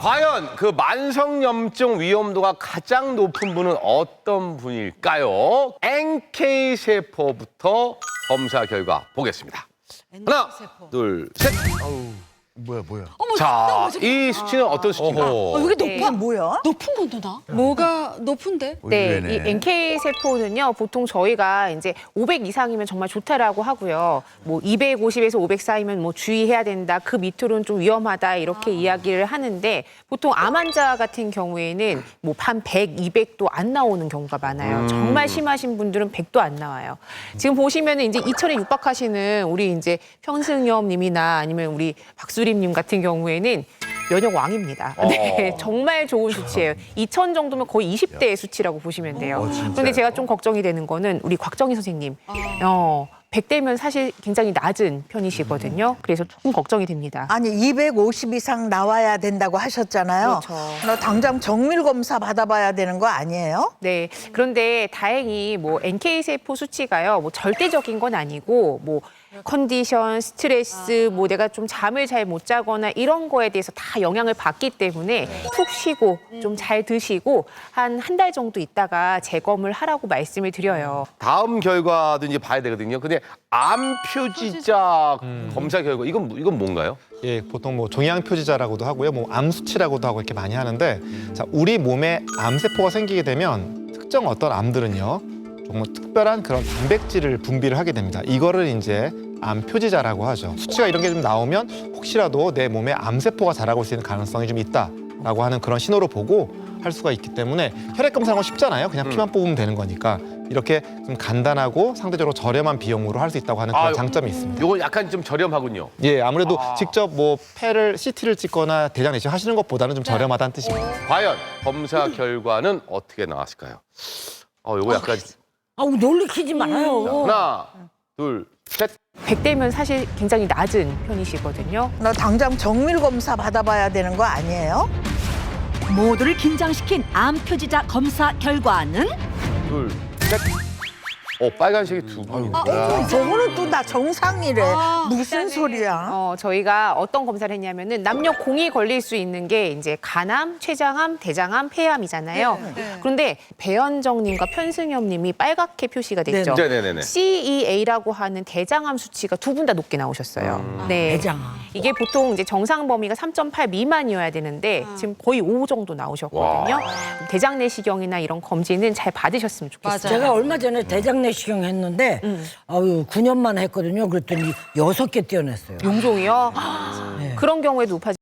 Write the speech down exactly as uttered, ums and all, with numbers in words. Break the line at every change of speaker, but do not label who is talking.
과연 그 만성염증 위험도가 가장 높은 분은 어떤 분일까요? 엔케이 세포부터 검사 결과 보겠습니다. 하나, 둘, 셋.
뭐야 뭐야?
어머,
자, 이 수치는 어떤 수치인가요?
어, 이게
네.
높아?
뭐야?
높은 건데 나? 뭐가 높은데?
네,
의외네.
이 엔케이 세포는요, 보통 저희가 이제 오백 이상이면 정말 좋다라고 하고요. 뭐 이백오십에서 오백 사이면 뭐 주의해야 된다. 그 밑으로는 좀 위험하다. 이렇게 이야기를 하는데 보통 암 환자 같은 경우에는 뭐 한 백, 이백도 안 나오는 경우가 많아요. 정말 심하신 분들은 백도 안 나와요. 지금 보시면은 이제 이천에 육박하시는 우리 이제 평승엽님이나 아니면 우리 박수림님 같은 경우에는 면역 왕입니다. 네, 정말 좋은 수치예요. 이천 정도면 거의 이십 대의 수치라고 보시면 돼요. 그런데 제가 좀 걱정이 되는 거는 우리 곽정희 선생님. 어, 백 대면 사실 굉장히 낮은 편이시거든요. 그래서 조금 걱정이 됩니다.
아니 이백오십 이상 나와야 된다고 하셨잖아요.
그렇죠.
나 당장 정밀 검사 받아봐야 되는 거 아니에요?
네. 그런데 다행히 뭐 엔케이 세포 수치가요. 뭐 절대적인 건 아니고 뭐 컨디션, 스트레스, 뭐 내가 좀 잠을 잘 못 자거나 이런 거에 대해서 다 영향을 받기 때문에 푹 쉬고 좀 잘 드시고 한 한 달 정도 있다가 재검을 하라고 말씀을 드려요.
다음 결과도 이제 봐야 되거든요. 근데 암 표지자 검사 결과 이건 이건 뭔가요?
예, 보통 뭐 종양 표지자라고도 하고요, 뭐 암 수치라고도 하고 이렇게 많이 하는데, 자, 우리 몸에 암 세포가 생기게 되면 특정 어떤 암들은요, 정말 특별한 그런 단백질을 분비를 하게 됩니다. 이거를 이제 암 표지자라고 하죠. 수치가 이런 게 좀 나오면 혹시라도 내 몸에 암 세포가 자라고 있을 가능성이 좀 있다라고 하는 그런 신호로 보고 할 수가 있기 때문에 혈액 검사는 건 쉽잖아요. 그냥 피만 뽑으면 되는 거니까 이렇게 좀 간단하고 상대적으로 저렴한 비용으로 할 수 있다고 하는 그런
아,
장점이 있습니다.
이건 약간 좀 저렴하군요.
예, 아무래도
아.
직접 뭐 폐를 씨티를 찍거나 대장 내시경 하시는 것보다는 좀 저렴하다는 뜻입니다.
과연 검사 결과는 어떻게 나왔을까요? 어, 이거 약간
아우 놀리키지 말아요.
하나, 둘, 셋.
백 대면 사실 굉장히 낮은 편이시거든요.
나 당장 정밀 검사 받아봐야 되는 거 아니에요?
모두를 긴장시킨 암 표지자 검사 결과는
둘, 셋. 어, 빨간색이 두 분.
저거는 또 나 정상이래. 무슨 소리야?
어, 저희가 어떤 검사를 했냐면은 남녀 공이 걸릴 수 있는 게 이제 간암, 췌장암, 대장암, 폐암이잖아요. 그런데 배현정님과 편승엽님이 빨갛게 표시가 됐죠.
네, 네, 네, 네.
씨이에이라고 하는 대장암 수치가 두 분 다 높게 나오셨어요. 네.
대장암.
이게 보통 이제 정상 범위가 삼 점 팔 미만이어야 되는데 지금 거의 오 정도 나오셨거든요. 대장 내시경이나 이런 검진은 잘 받으셨으면 좋겠어요.
제가 얼마 전에 대장 내시경 했는데 아유 구 년 만에 했거든요. 그랬더니 여섯 개 떼어냈어요.
용종이요? 그런 경우에도 높아지